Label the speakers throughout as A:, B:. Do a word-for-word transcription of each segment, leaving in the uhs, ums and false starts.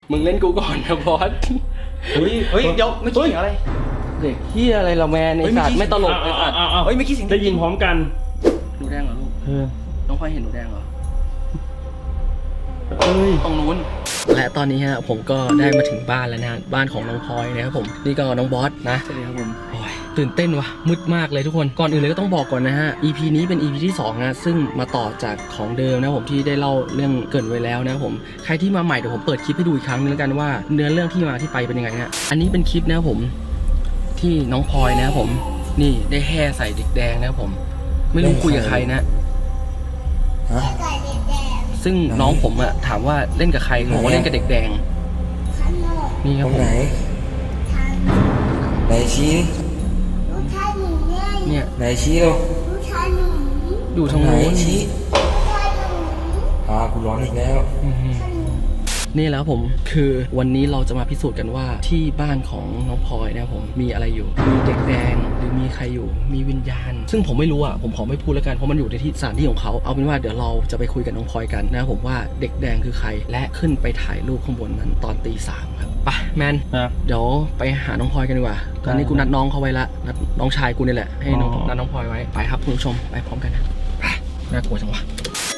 A: มึงเล่นกูก่อนนะบอส
B: เฮ้ยเฮ้ยเดี๋ยวเมื่อกี้เสียงอะไร
A: เด็กเฮียอะไรเราแมนไอ้สัตว์ไม่ตลกไอ้สัตว์
B: เฮ้ยเมื่อกี้เสียง
C: ได้ยินพร้อมกัน
A: หนูแดงเหรอลูก
C: เออ
A: น้องพลอยเห็นหนูแดงเหรอ
C: เอ้ย
A: ตรงนู้นและตอนนี้ฮะผมก็ได้มาถึงบ้านแล้วนะบ้านของน้องพลอยนะครับผมนี่ก็น้องบอสนะสวัสดีครับผมโอ้ยตื่นเต้นว่ะมืดมากเลยทุกคนก่อนอื่นเลยก็ต้องบอกก่อนนะฮะ อี พี นี้เป็น อี พี ที่สองนะซึ่งมาต่อจากของเดิมนะผมที่ได้เล่าเรื่องเกริ่นไว้แล้วนะผมใครที่มาใหม่เดี๋ยวผมเปิดคลิปให้ดูอีกครั้งนึงแล้วกันว่าเนื้อเรื่องที่มาที่ไปเป็นยังไงฮะอันนี้เป็นคลิปนะครับผมที่น้องพลอยนะครับผมนี่ได้แห่ใส่เด็กแดงนะครับผมไม่รู้คุยกับใครนะซึ่งน้องผมอะถามว่าเล่นกับใครบอกว่าเล่นกับเด็กแดงนี่ครับผม
D: ไหนชี้
A: เนี่ย
D: ไหนชี้เรา
A: อยู่ทางโน้น
D: ชี้อ่ากูร้อนอีกแล้ว
A: นี่แล้วผมคือวันนี้เราจะมาพิสูจน์กันว่าที่บ้านของน้องพลอยนะครับผมมีอะไรอยู่มีเด็กแดงหรือมีใครอยู่มีวิญญาณซึ่งผมไม่รู้อ่ะผมขอไม่พูดแล้วกันเพราะมันอยู่ในที่สถานที่ของเขาเอาเป็นว่าเดี๋ยวเราจะไปคุยกับน้องพลอยกันนะครับผมว่าเด็กแดงคือใครและขึ้นไปถ่ายรูปข้างบนนั้นตอนตีสามครับไปแมนเดี๋ยวไปหาน้องพลอยกันดีกว่าตอนนี้กูนัดน้องเขาไว้ละนัดน้องชายกูนี่แหละให้น้องนัดน้องพลอยไว้ไปครับคุณผู้ชมไปพร้อมกันนะน่ากลัวจังวะ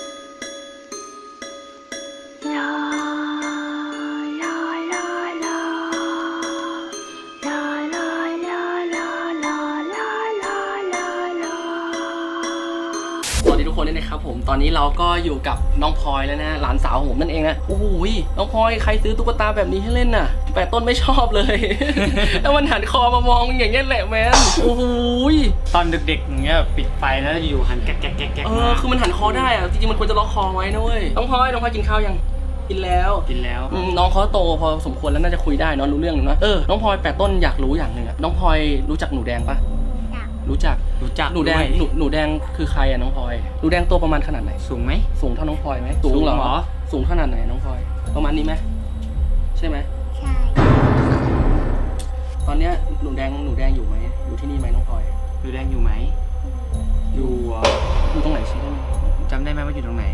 A: ทุกคนนี่นะครับผมตอนนี้เราก็อยู่กับน้องพลอยแล้วนะหลานสาวของผมนั่นเองนะโอ้โหน้องพลอยใครซื้อตุ๊กตาแบบนี้ให้เล่นน่ะแปดต้นไม่ชอบเลย แล้วมันหันคอมามองอย่างเงี้ยแหละแมนโอ้โห
B: ตอนเด็กๆอย่างเงี้ยปิดไฟแล้วอยู่หันแก๊กแก๊กแก๊กแก๊ก
A: เออคือมันหันคอได้อะจริงๆมันควรจะล็อกคอไว้นะเว้ยน้องพลอยน้องพลอยกินข้าวยังกินแล้ว
B: กินแล้ว
A: น้องเขาโตพอสมควรแล้วน่าจะคุยได้เนาะรู้เรื่องนะเออน้องพลอยแปดต้นอยากรู้อย่างหนึ่งอะน้องพลอยรู้จักหนูแดงปะรู้จัก
B: รู้จัก
A: หนูแดงหนูหนูแดงคือใครอะน้องพลอยหนูแดงตัวประมาณขนาดไหน
B: สูงไหม
A: สูงเท่าน้องพลอยไหมสูงเหรอสูงขนาดไหนน้องพลอยประมาณนี้ไหมใช่ไหมใช่ตอนเนี้ยหนูแดงหนูแดงอยู่ไหมอยู่ที่นี่ไหมน้องพลอย
B: หนูแดงอยู่ไหมอยู่
A: อยู่ตรงไหนชี้ได้ไหม
B: จำได้ไหมว่าอยู่ตรงไหน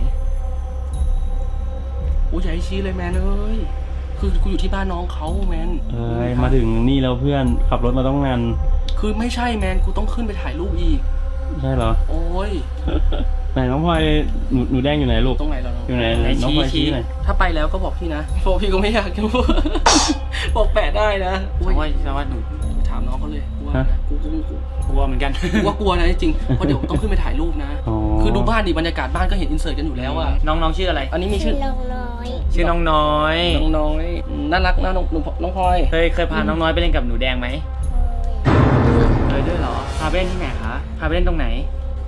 A: โอ้ยอย่าให้ชี้เลยแมนเอ้ยคือกูอยู่ที่บ้านน้องเขาแมน
C: เอ้ยมาถึงนี่แล้วเพื่อนขับรถมาต้องนาน
A: คือไม่ใช่แมนกูต้องขึ้นไปถ่ายรูปอีก
C: ใช่เหรอ
A: โอ้ย
C: ไหนน้องพลอยหนูหนูแดงอยู่ไหนลูก
A: ตรงไหนเรา
C: อยู่ไหนน้องพลอยชี้ไหน
A: ถ้าไปแล้วก็บอกพี่นะเพราะพี่ก็ไม่อยากจะบอกแปะได้นะ
B: ว่าว่าหนู
A: ถามน้องเขาเลยว่ากูกูกู
B: กลัวเหมือนกัน
A: ว่ากลัวนะจริงเพราะเดี๋ยวต้องขึ้นไปถ่ายรูปนะคือดูบ้านดิบรรยากาศบ้านก็เห็นอินเสิร์ตกันอยู่แล้วอะ
B: น้องน้องชื่ออะไร
A: อันนี้มีชื่อ
E: น้องน้อย
B: ชื่อน้องน้อย
A: น้องน้อยน่ารักนะน้องน้องพลอย
B: เคยเคยพาน้องน้อยไปเล่นกับหนูแดงไหมเคยด้วยเหรอพาไปเล่นที่ไหนคะพาไปเล่นตรงไหน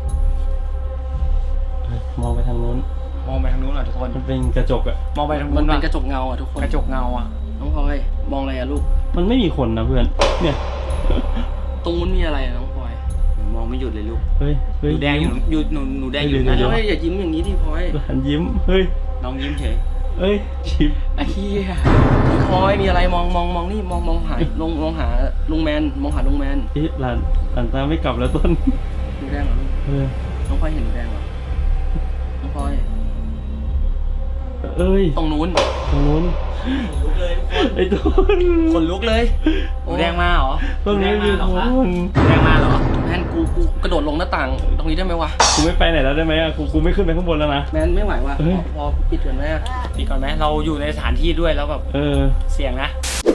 C: มองไปทางนู้น
B: มองไปทางนู้นเหรอทุกคน
C: มันเป็นกระจกอะ
B: มองไปทาง
A: มั
B: นู้น
A: เป็นกระจกเงาอะทุกคน
B: กระจกเงาอะ
A: น้องพลอยมองอะไรอะลูก
C: มันไม่มีคนนะเพื่อนเนี่ย
A: ตรงนู้นมีอะไรอะน้องพลอย
B: มองไม่หยุดเลยลูก
C: เฮ้ย
B: หนูแดงอยู่อยู่หนูหนูแดงอยู่
A: นะเฮ้ยอย่ายิ้มอย่างนี้ดิพลอย
C: หันยิ้มเฮ้ย
B: น้องยิ้มเฉย
C: เฮ้ยชิป
A: ไอ้เหี้ยน้องพลอยมีอะไรมองมองมองนี่มองมองหาลงมองหาลุงแมนมองหาลุงแมน
C: เอ๊ะหลานหลานตาไม่กลับแล้วต้น
A: หนูแดงเหรอลูก
C: เออ
A: น้องพลอยเห็นหนูแดงเหรอน้องพลอย
C: เอ้ย
A: ตรงนู้น
C: ตรงนู้นไอ้ต้น
B: คนลุกเลยหนูแดงมาเหรอ
C: ต้นนี้มีคน
B: แดงมาเหรอ
A: แมนกูกูกระโดดลงหน้าต่างตรงนี้ได้ไหมวะ
C: กูไม่ไปไหนแล้วได้ไหมอะกูกูไม่ขึ้นไปข้างบนแล้วนะ
A: แมนไม่ไหวว่ะพอปิดก่อนไหม
B: ปิดก่อนไหมเราอยู่ในสถานที่ด้วยแล้วแบบ
C: เออ
B: เสี่ยงนะ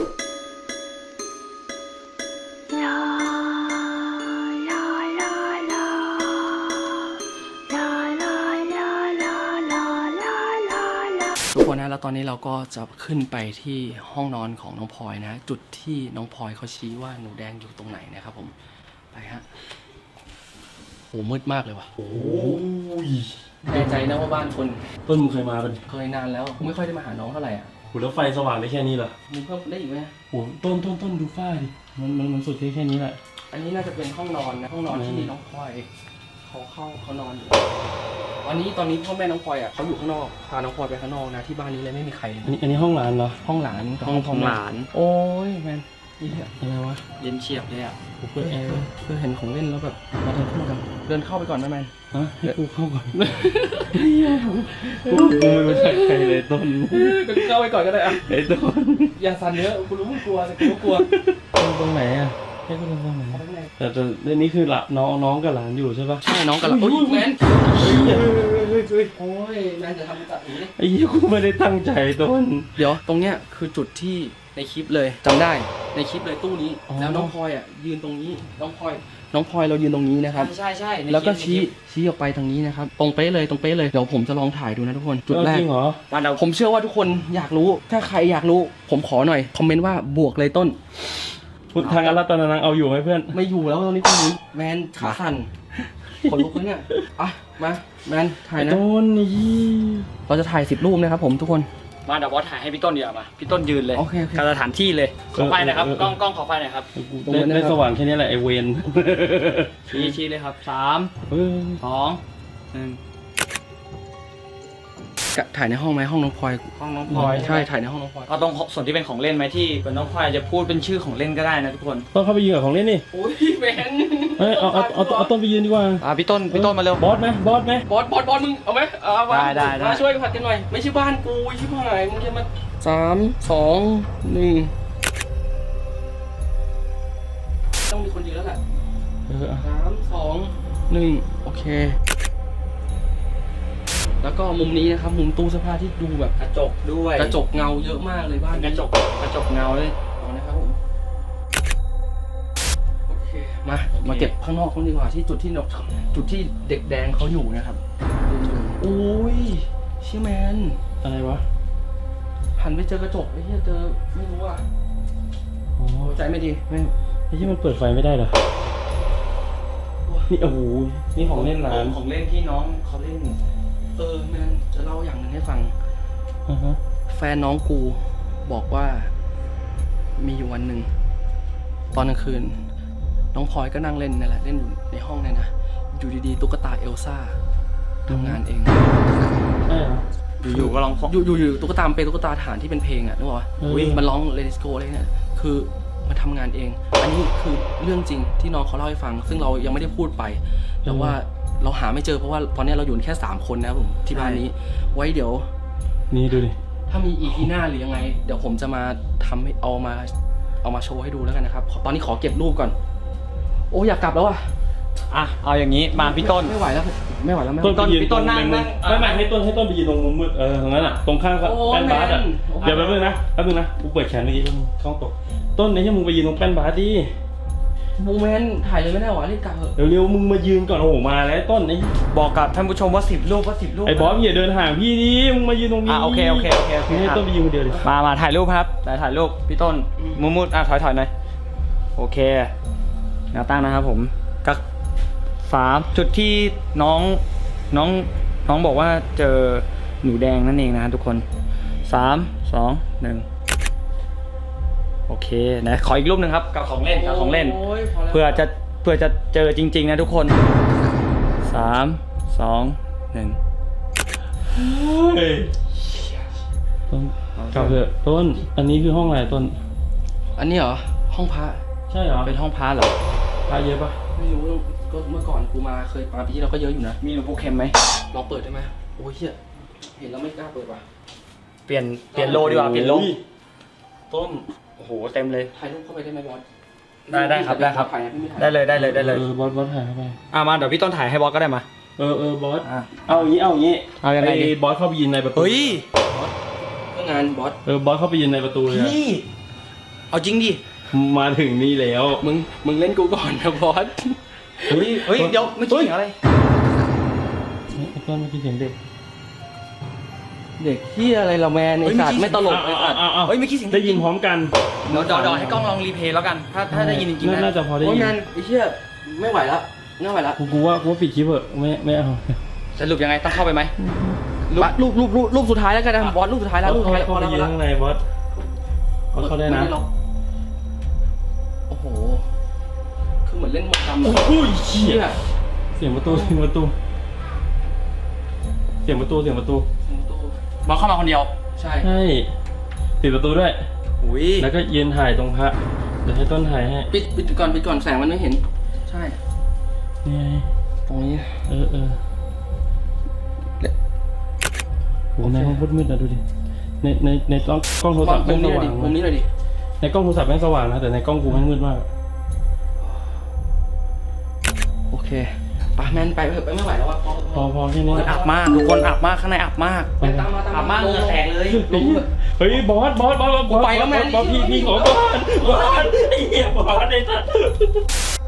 A: ทุกคนนะแล้วตอนนี้เราก็จะขึ้นไปที่ห้องนอนของน้องพลอยนะจุดที่น้องพลอยเขาชี้ว่าหนูแดงอยู่ตรงไหนนะครับผมไปฮะโหมืดมากเลยว่ะโอ้ยแน่ใจนะว่าบ้านคน
C: ต้นมึงเคยมาเป็น
A: เคยนานแล้วไม่ค่อยได้มาหาน้องเท่าไหร่อ่ะ
C: โหแล้วไฟสว่างได้แค่นี้เหรอ
A: มึงเพิ่มได้อีกไหม
C: โหต้นต้นต้นดูฝ้าดิมันมันมันสุดแค่แค่นี้แหละ
A: อันนี้น่าจะเป็นห้องนอนนะห้องนอนที่น้องพลอยเขาเข้าเขานอนอยู่วันนี้ตอนนี้พ่อแม่น้องพลอยอ่ะเขาอยู่ข้างนอกพาน้องพลอยไปข้างนอกนะที่บ้านนี้เลยไม่มีใครเลย
C: อันนี้อันนี้ห้องหลานเหรอ
A: ห้องหลาน
B: ห้องของหลาน
A: โอ้ยแมนนี่อะ
C: อะไรวะ
B: เย็นเฉียบเลยอ่ะ
C: กูเปิดแอร์ไว้
A: เพื่อเห็นของเล่นแล้วแบบมาเดินเข้ามากันเดินเข้าไปก่อนนะแมน
C: ฮะให้กูเข้าก่อนกูกูไม่รู้จักใครเลยต้น
A: เดินเข้าไปก่อนก็ได้อะ
C: ไอ้ต้น
A: อย่าสั่นเยอะกูรู้มึงกลัวแต่กูก็กลัว
C: ต้นตรงไหนอ่ะให้กูตรงไหนแต่แต่เรื่องนี้คือละน้องน้องกับหลานอยู่ใช่ปะ
A: ใช่น้องกันละโอ้ยแมน
C: เฮ้ยเฮ้ยเฮ้ยเฮ้ย
A: โอ้ยแมนจะทำตัดอย่างนี้
C: ไอ้เหี้ยกูไม่ได้ตั้งใจต้น
A: เดี๋ยวตรงเนี้ยคือจุดที่ในคลิปเลยจำได้ในคลิปเลยตู้นี้
C: อ๋อ
A: แล้วน้องพลอยอ่ะยืนตรงนี้น้องพลอยน้องพลอยเรายืนตรงนี้นะครับ
B: ใช่ใช่ใน
A: แล้วก็
B: คลิ
A: ชี้
B: ป
A: ชี้ออกไปทางนี้นะครับตรงเป๊ะเลยตรงเป๊ะเลยเดี๋ยวผมจะลองถ่ายดูนะทุกคนจุดแรก
C: จริงเหรอ
B: บ้านเรา
A: ผมเชื่อว่าทุกคนอยากรู้ถ้าใครอยากรู้ผมขอหน่อยคอมเมนต์ว่าบวกเลยต้น
C: พุทธังอรัตนานังเอาอยู่ไหมเพื่อน
A: ไม่อยู่แล้วตอนนี้คุณแมนขาสั่นขนลุกเลยเนี่ยอ่ะมาแมนถ่ายนะ
C: ต้นนี่
A: เราจะถ่ายสิบรูปนะครับผมทุกคน
B: มาเดี๋ยวบอสถ่ายให้พี่ต้นเดี๋ยวามาพี่ต้นยืนเลย
A: โอเคโอเค
B: การสถานที่เลยขอไฟหนะครับกล้องกล้องขอไฟหน่อยครับ
A: ตรงนี้
C: ได้
A: นะครับ
C: ได้สว่างแค่นี้แหละไอเวน
B: ชี้ชี้เลยครับสาม
C: เออ
B: สองหนึ่ง
A: กะถ่ายในห้องไหมห้องน้องพลอย
B: ห้องน้องพลอย
A: ใช่ถ่ายในห้องน้องพลอย
B: เอาตรงส่วนที่เป็นของเล่นไหมที่เป็นน้องพลอยจะพูดเป็นชื่อของเล่นก็ได้นะทุกคน
C: ต้นเข้าไปยืนกับของเล่นนี่
A: โอ้ยแมน
C: เฮ้ยเอาเอาเอาเอาเอาต้นไปยืนดีกว่า
B: อ่าพี่ต้นพี่ต้นมาเร็ว
C: บอสไหมบอสไหม
A: บอสบอสบอสมึงเอาไหมเอามา
B: ได้ได้ได้
A: มาช่วยผัดกันหน่อยไม่ใช่บ้านกูชิบหายมึงจะมาสามสองหนึ่งต้องมีคนยืนแล้วแหละ
C: เออเอา
A: สามสองหนึ่งโอเค แล้วก็มุมนี้นะครับมุมตู้เสื้อผ้าที่ดูแบบ
B: กระจกด้วย
A: กระจกเงาเยอะมากเลยบ้าน
B: กระจกกระจกเงาเลย
A: เอานะครับผมโอเคมามาเก็บข้างนอกกันดีกว่าที่จุดที่นกจุดที่เด็กแดงเขาอยู่นะครับโอ้ยเชี่ยแมน
C: อะไรวะ
A: หันไปเจอกระจกไอ้เหี้ยเจอไม่รู้อ่ะ
C: อ๋อ
A: ใจไม่ดีไม่
C: ไอ้ที่มันเปิดไฟไม่ได้เหรอนี่โอ้โหนี่ของเล่นหลาน
B: ของเล่นที่น้องเขาเล่น
A: เออแมนจะเล่าอย่างหนึ่งให้ฟัง
C: อ่าฮะ
A: แฟนน้องกูบอกว่ามีอยู่วันหนึ่งตอนกลางคืน น้องพลอยก็นั่งเล่นนั่นแหละเล่นอยู่ในห้องเนี่ยนะอยู่ดีๆตุ๊กตาเอลซ่าทำงานเอง
C: ใช่เหรอ
B: อยู่ๆก็ร้องฟ
A: อยู่อยู่อยู่ตุ๊กตามันเป็นตุ๊กตาฐานที่เป็นเพลงอ่ะนึกออกปะ
C: เออ
A: อุ๊ยมันร้อง Let It Go อะไรเนี่ยคือมาทำงานเอง อันนี้คือเรื่องจริงที่น้องเขาเล่าให้ฟัง ซึ่งเรายังไม่ได้พูดไป แต่ว่าเราหาไม่เจอเพราะว่าตอนนี้เราอยู่แค่สามคนนะครับผมที่บ้านนี้ ไว้เดี๋ยว
C: นี่ดูดิ
A: ถ้ามีอีพีหน้าหรือยังไง เดี๋ยวผมจะมาทำให้เอามาเอามาโชว์ให้ดูแล้วกันนะครับขอตอนนี้ขอเก็บรูปก่อน โอ้อยากกลับแล้วอ่ะ
B: อ่ะเอาอย่างนี้มาพี่ต้น
A: ไม่ไหวแล้วไม่ไหวแล้วไม่ไหว
C: ต้น
A: แล้ว
C: ไปยืน
B: พี่ต้น
C: ตรง
B: นั่ง
C: ในมุ
B: นั่
C: ม
B: ง
C: ไม่ไม่ให้ต้นให้ต้นไปยืนตรงมุมมืดเออตรงนั้นอ่ะตรงข้างกับ
A: โอ้
C: แป้นบาสอ่ะ
A: แมน
C: เดี๋ยวแป๊บนึงนะแป๊บนึงนะกูเปิดแขนเมื่อกี้แป๊บนึงเข้าตกต้นไอ้ที่มึงไปยืนตรงแป้นบาสดิ
A: โมเมนต์ถ่ายเลยไม่ได้หรอรีบกลับเถอะ
C: เร็วๆมึงมายืนก่อนโอ้โหมาแล้วต้นไอ้
B: บอกกับท่านผู้ชมว่าสิบรูปว่าสิบรูป
C: ไอ้บอสอย่าเดินห่างพี่ดิมึงมายืนตรงนี้
B: อ่ะโอเคโอเคโอเคโอเค
C: มึงให้ต้นไปยืนคนเดียวดิ
B: มามาถ่ายรูปครับถ่ายถ่ายรูปพี่ต้นมุมมุดอ่ะถอยถอยหน่อยโอเคแนวตั้งนะครับผมก็สามจุดที่น้องน้องน้องบอกว่าเจอหนูแดงนั่นเองนะทุกคนสามสองหนึ่งโอเคนะขออีกรูปหนึ่งครับกับของเล่นกับของเล่น
A: โยพแล้ว
B: เพื่อจะเพื่อจะเจอจริงๆนะทุกคนสามสองหนึ่ง
C: เฮ้ยต้นกลับเถอะต้นอันนี้คือห้องอะไรต้น
A: อันนี้เหรอห้องพระ
C: ใช่เหรอ
B: เป็นห้องพาร์ทเหรอ
C: พาเยอะปะ
A: ไม่รู้ก็เมื่อก่อนกูมาเคยมาปีที่เราก็เยอะอยู่นะ
B: มีหลวงปู่เข็มไหม
A: ลองเปิดได้ไหมโอ้ยเฮียเห็นแล้วไม่กล้าเปิดว่ะ
B: เปลี่ยนเปลี่ยนโลดีกว่าเปลี่ยนโล
C: โอ้ต้น
B: โอ้โหเต็มเลย
A: ถ่ายรูปเข้าไปได้ไหมบอส
B: ได้ได้ครับได้ครับ
A: ถ่ายนะพี่ไม่ถ่าย
B: ได้เลยได้เลยได้เลย
C: เออบอสบอสถ่ายเข้าไป
B: อ่ะมาเดี๋ยวพี่ต้นถ่ายให้บอสก็ได้มา
C: เออเออบอส
B: อ่ะ
C: เอาอย่างนี้เอาอย่างนี้
B: เอายังไงดี
C: บอสเข้าไปยืนในประตู
B: เฮ้ย
A: เพื่องานบอส
C: เออบอสเข้าไปยืนในประตูเลยอะ
B: พี่เอาจริงดิ
C: มาถึงนี่แล้ว
A: มึงมึงเล่นกูก่อนนะบอส
B: เฮ้ยเฮ้ยเดี๋ยวไม่คิดถึงอะไร
C: ไอ้ต้นเมื่อกี้เสียงเด็ก
A: เด็กเฮียอะไรเราแมนไอ้สัตว์ไม่ตลกไอ้สัตว์
C: อ้าวอ้าว
B: เฮ้ยไม่คิดเสียง
C: ได้ยินพร้อมกัน
B: เดี๋ยวเดี๋ยวเดี๋ยวให้กล้องลองรีเพลย์แล้วกัน ถ้าถ้าได้ยินจริงๆ
C: น่า
B: นะ
C: น่าจะพอได้
A: โอ้ย
C: ยิน
A: งานไอ้เฮียไม่ไหวแล้วไม่ไหวแล้ว
C: กูกูว่ากูว่าปิดคลิปเถอะไม่ไม่เอา
B: สรุปยังไงต้องเข้าไปไหม
A: รูปรูปรูปรูปรูปสุดท้ายแล้วกันนะบอสรูปสุดท้ายแล้วรูปสุดท้ายแล้วพ
C: เข้า
A: อ
C: ไป
A: แล้วพ
C: ยื
A: อน แล้ว
C: ข้างในบอสบอสเข้าได้นะ
A: ม่ล็อกโอ้โหคือเหมือนเล่นหมดดำอะ
C: อุ้ยเชี่
A: เฮี
C: ย
A: ย
C: เสียงประตูเสียงประตูเสียงประตูเสียงประตู
B: บอสเข้ามาคนเดียว
A: ใช่
C: ใช่ปิดประตูด้วย
B: อุ้ย
C: แล้วก็ยืนถ่ายตรงพระเดี๋ยวให้ต้นถ่ายให้
A: ปิดปิดก่อนปิดก่อนแสงมันไม่เห็น ใช่
C: นี่ไง
A: ตรงนี้
C: เออเออโหในห้องมืดๆนะดูดิในในในกล้องกล้องโทรศัพท์
A: มุ
C: แม่
A: ม
C: งส
A: นี้หน่อย
C: ว่า
A: ดิ
C: ง
A: มุมนี้หน่อยดิ
C: ในกล้องโทรศัพท์แม่งสว่างนะแต่ในกล้องกูแม่งมืดมาก
A: โอเคไปแมนไปเถอะไปไม่ไหวแล้วว่ะพอ
C: พอพอแค่นี้
B: อับมากทุกคนอับมากข้างในอับมาก
A: ไปตามมาตาม
B: อับมากเหงื่อแตกเลย
A: ลงเถอะ
C: เฮ้ยบอสบอสบอสบอส
A: ไปแล้วแม่
C: บอสพี่พี่ขอบอสบอสไอ้เหี้ยบอสไอ้สัส